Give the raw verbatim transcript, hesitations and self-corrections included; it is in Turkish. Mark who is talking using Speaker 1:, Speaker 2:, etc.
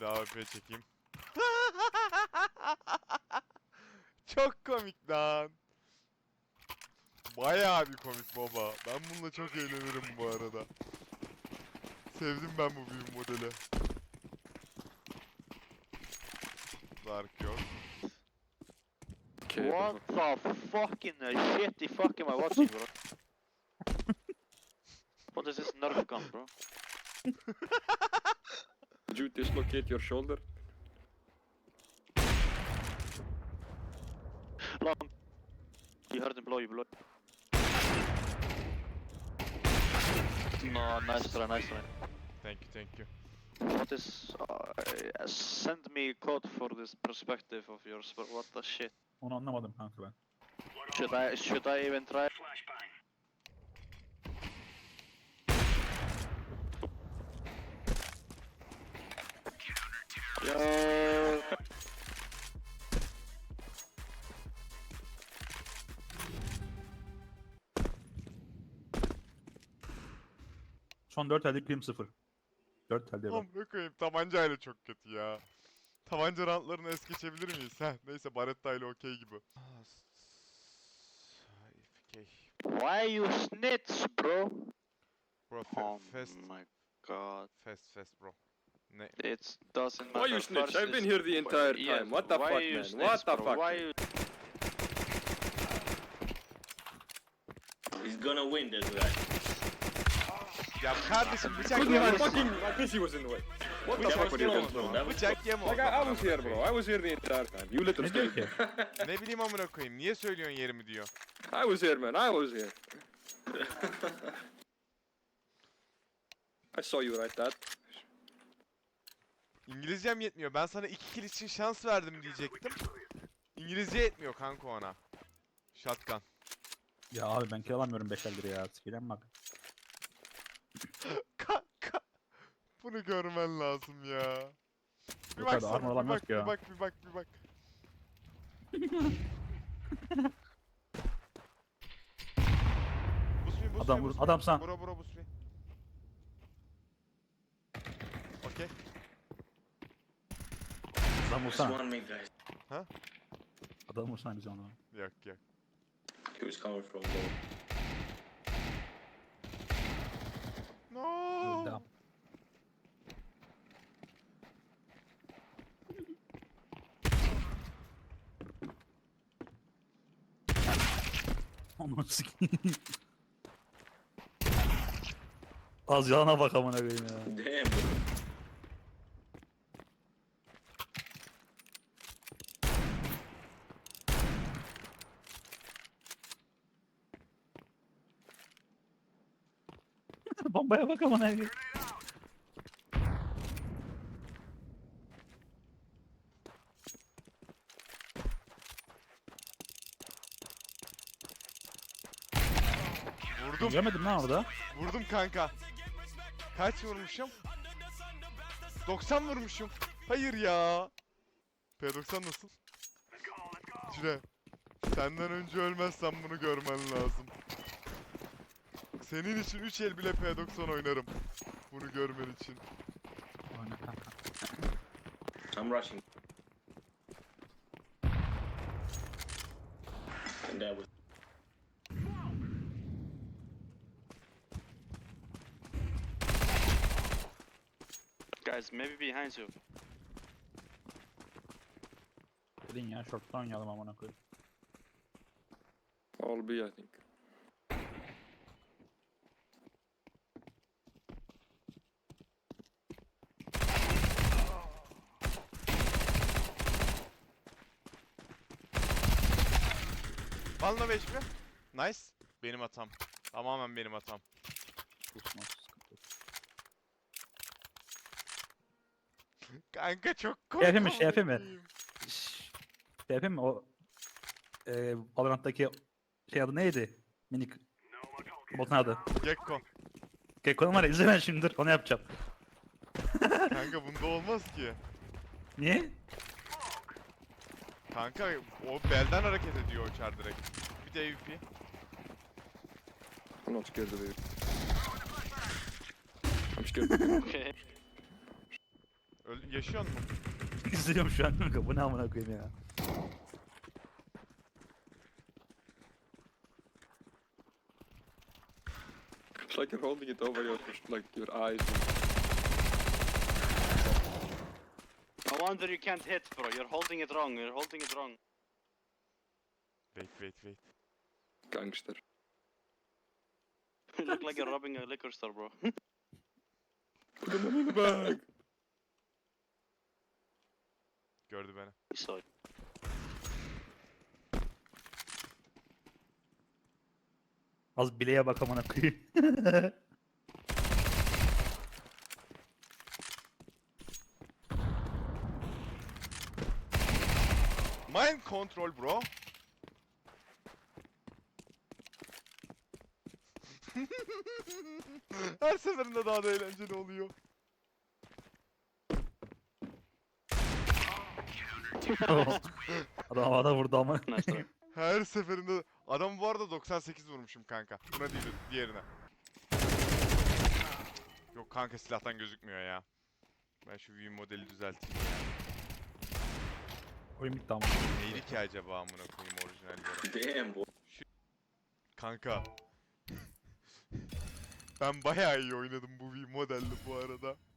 Speaker 1: Bekle A W P çekeyim. Çok komik lan. Bayağı bir komik baba. Ben bununla çok eğlenirim bu arada. Sevdim ben bu büyük modeli. Dark yok.
Speaker 2: What the fucking shitty fuck am I watching, bro? What is this Nerf gun, bro?
Speaker 3: Did you dislocate your shoulder?
Speaker 2: Long. You heard him blow, you blow. No, nice try, nice try.
Speaker 1: Thank you, thank you.
Speaker 2: What is... Uh, send me code for this perspective of yours, but what the shit?
Speaker 4: Onu anlamadım kanka ben.
Speaker 2: Should I, should I even try? Yo.
Speaker 4: Son dört elde krim sıfır. dört elde bak.
Speaker 1: Amına koyayım, tabancayla çok kötü ya. Tabanca rantlarını es geçebilir miyiz? Heh, neyse Baretta ile okey gibi. Okay.
Speaker 2: Why you snitch, bro?
Speaker 1: Bro, fe
Speaker 2: Oh
Speaker 1: fast,
Speaker 2: my god.
Speaker 1: fast, fast bro. Ne?
Speaker 2: It doesn't matter.
Speaker 3: Why you snitch?
Speaker 2: First
Speaker 3: I've been
Speaker 2: is-
Speaker 3: here the entire
Speaker 2: Yeah,
Speaker 3: time. What the
Speaker 2: why
Speaker 3: fuck,
Speaker 2: you
Speaker 3: man?
Speaker 2: snitch,
Speaker 3: What the
Speaker 2: bro?
Speaker 3: fuck?
Speaker 2: Why you...
Speaker 5: He's gonna win this guy.
Speaker 1: Ya kardeşim bıçak
Speaker 3: Couldn't even
Speaker 1: yeme.
Speaker 3: fucking. My P C was in the way. What the
Speaker 1: Bıçak
Speaker 3: fuck were you
Speaker 1: yeme
Speaker 3: guys
Speaker 1: o
Speaker 3: doing?
Speaker 1: zaman. Bıçak yeme o
Speaker 3: Like I, I
Speaker 1: zaman.
Speaker 3: was here, bro. I was here the entire time. You little
Speaker 4: Ne diyor
Speaker 3: stupid.
Speaker 4: ki?
Speaker 1: Ne bileyim amına koyayım. Niye söylüyorsun yerimi diyor.
Speaker 3: I was here, man. I was here. I saw you right that.
Speaker 1: İngilizcem yetmiyor. Ben sana iki kill için şans verdim diyecektim. İngilizce yetmiyor kanka ona. Shotgun.
Speaker 4: Ya abi ben kill alamıyorum beş eldir ya. Sikiden bak.
Speaker 1: Kanka. Bunu görmen lazım ya. Bir
Speaker 4: Yok abi,
Speaker 1: baksana,
Speaker 4: armor
Speaker 1: bir
Speaker 4: alamaz
Speaker 1: bak,
Speaker 4: ki ya.
Speaker 1: bir bak, bir bak, bir bak. Busmi, busmi,
Speaker 4: Adam vur,
Speaker 1: busmi.
Speaker 4: adam sen.
Speaker 1: Bura, bura, busmi. Okey.
Speaker 4: Adam
Speaker 5: Just
Speaker 4: vursana.
Speaker 5: one mid, guys.
Speaker 4: Adam vursana bize onu.
Speaker 1: Yok, yok.
Speaker 5: He was coming from low.
Speaker 1: No.
Speaker 4: Devam. Onu sikeyim. Az yalana bak amına koyayım ya.
Speaker 5: Damn, bro.
Speaker 4: Bombaya bak amına koyayım.
Speaker 1: Vurdum,
Speaker 4: Görmedim lan orada.
Speaker 1: vurdum kanka. Kaç vurmuşum? doksan vurmuşum. Hayır ya. P doksan nasıl? Cire. Senden önce ölmezsem bunu görmen lazım. Senin için üç el bile P doksan oynarım. Bunu görmen için.
Speaker 4: Aynen kanka.
Speaker 5: I'm rushing. And that was.
Speaker 2: Guys, maybe behind you.
Speaker 4: Dedin ya short'tan oynayalım amına koyayım.
Speaker 3: All B, I think.
Speaker 1: Balna beş mi? Nice. Benim hatam. Tamamen benim hatam.
Speaker 4: Susmaz, sıkıntı yok.
Speaker 1: Kanka çok komik.
Speaker 4: Şey yapayım mı, şey yapayım mı?
Speaker 1: amına koyayım.
Speaker 4: Şşş. Şey yapayım mı o eee Valorant'taki şey adı neydi? Minik botun adı.
Speaker 1: Gekko.
Speaker 4: Gekko'nun var ya izle ben şimdi dur onu yapacağım.
Speaker 1: Kanka bunda olmaz ki.
Speaker 4: Niye?
Speaker 1: Kanka o belden hareket ediyor o çar direkt. Bir de A W P.
Speaker 3: I'm not scared of you. I'm scared of you.
Speaker 2: Okay.
Speaker 1: Öl yaşıyor mu?
Speaker 4: İzliyorum şu an kanka. Bu ne amına koyayım ya.
Speaker 3: It's like you're holding it over your, like, your eyes.
Speaker 2: No wonder you can't hit, bro. You're holding it wrong. You're holding it wrong.
Speaker 1: Wait wait wait.
Speaker 3: Gangster.
Speaker 2: You look like you're robbing a liquor store, bro.
Speaker 3: Put the money in the bag.
Speaker 1: Gördü beni.
Speaker 2: So,
Speaker 4: Az bileğe bak amına koyayım.
Speaker 1: Mind control bro. Her seferinde daha da eğlenceli oluyor.
Speaker 4: Adam havada vurdu ama.
Speaker 2: nice try.
Speaker 1: Her seferinde adam bu arada doksan sekiz vurmuşum kanka. Buna değil diğerine. Yok kanka silahtan gözükmüyor ya. Ben şu view modeli düzelteyim ya.
Speaker 4: Oyun bitti ama.
Speaker 1: Neydi ki acaba amına koyayım orijinal göre.
Speaker 5: Damn, boy.
Speaker 1: Kanka. Ben bayağı iyi oynadım bu view modelde bu arada.